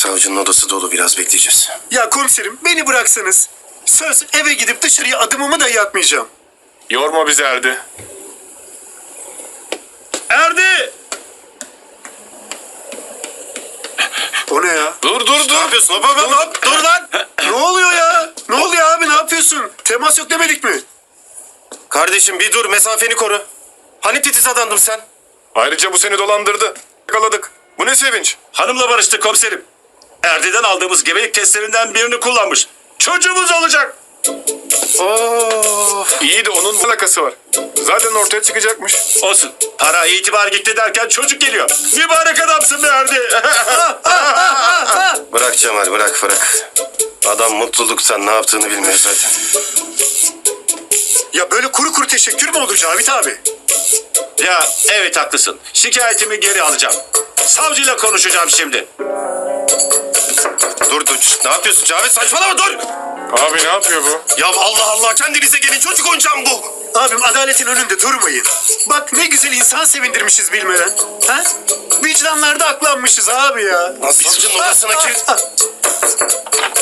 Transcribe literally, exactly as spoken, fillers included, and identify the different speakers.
Speaker 1: Savcının odası dolu, biraz bekleyeceğiz.
Speaker 2: Ya komiserim beni bıraksanız. Söz eve gidip dışarıya adımımı dahi atmayacağım.
Speaker 3: Yorma bizi Erdi. Erdi!
Speaker 2: O ne ya?
Speaker 3: Dur dur dur.
Speaker 1: Ne yapıyorsun? Hop hop hop hop. Dur lan.
Speaker 2: Ne oluyor ya? Ne oluyor abi, ne yapıyorsun? Temas yok demedik mi?
Speaker 1: Kardeşim bir dur, mesafeni koru. Hani titiz adamdın sen?
Speaker 3: Ayrıca bu seni dolandırdı. Yakaladık. Bu ne sevinç?
Speaker 4: Hanımla barıştık komiserim. Erdi'den aldığımız gebelik testlerinden birini kullanmış. Çocuğumuz olacak.
Speaker 1: Of.
Speaker 3: İyi de onun ne alakası var? Zaten ortaya çıkacakmış.
Speaker 4: Olsun. Para, itibar gitti derken çocuk geliyor. Mübarek adamsın be Erdi.
Speaker 1: Bırak Cemal, bırak bırak. Adam mutluluktan ne yaptığını bilmiyor zaten.
Speaker 2: Ya böyle kuru kuru teşekkür mü olur Cavit abi?
Speaker 4: Ya evet haklısın. Şikayetimi geri alacağım. Savcıyla konuşacağım şimdi.
Speaker 1: Dur dur. Ne yapıyorsun Cavit? Saçmalama, dur.
Speaker 3: Abi ne yapıyor bu?
Speaker 1: Ya Allah Allah, kendinize gelin, çocuk oyuncağım bu.
Speaker 2: Abim adaletin önünde durmayın. Bak ne güzel insan sevindirmişiz bilmeden. Ha? Vicdanlarda aklanmışız abi ya.
Speaker 1: Savcının odasına gir.
Speaker 2: Ah, ah.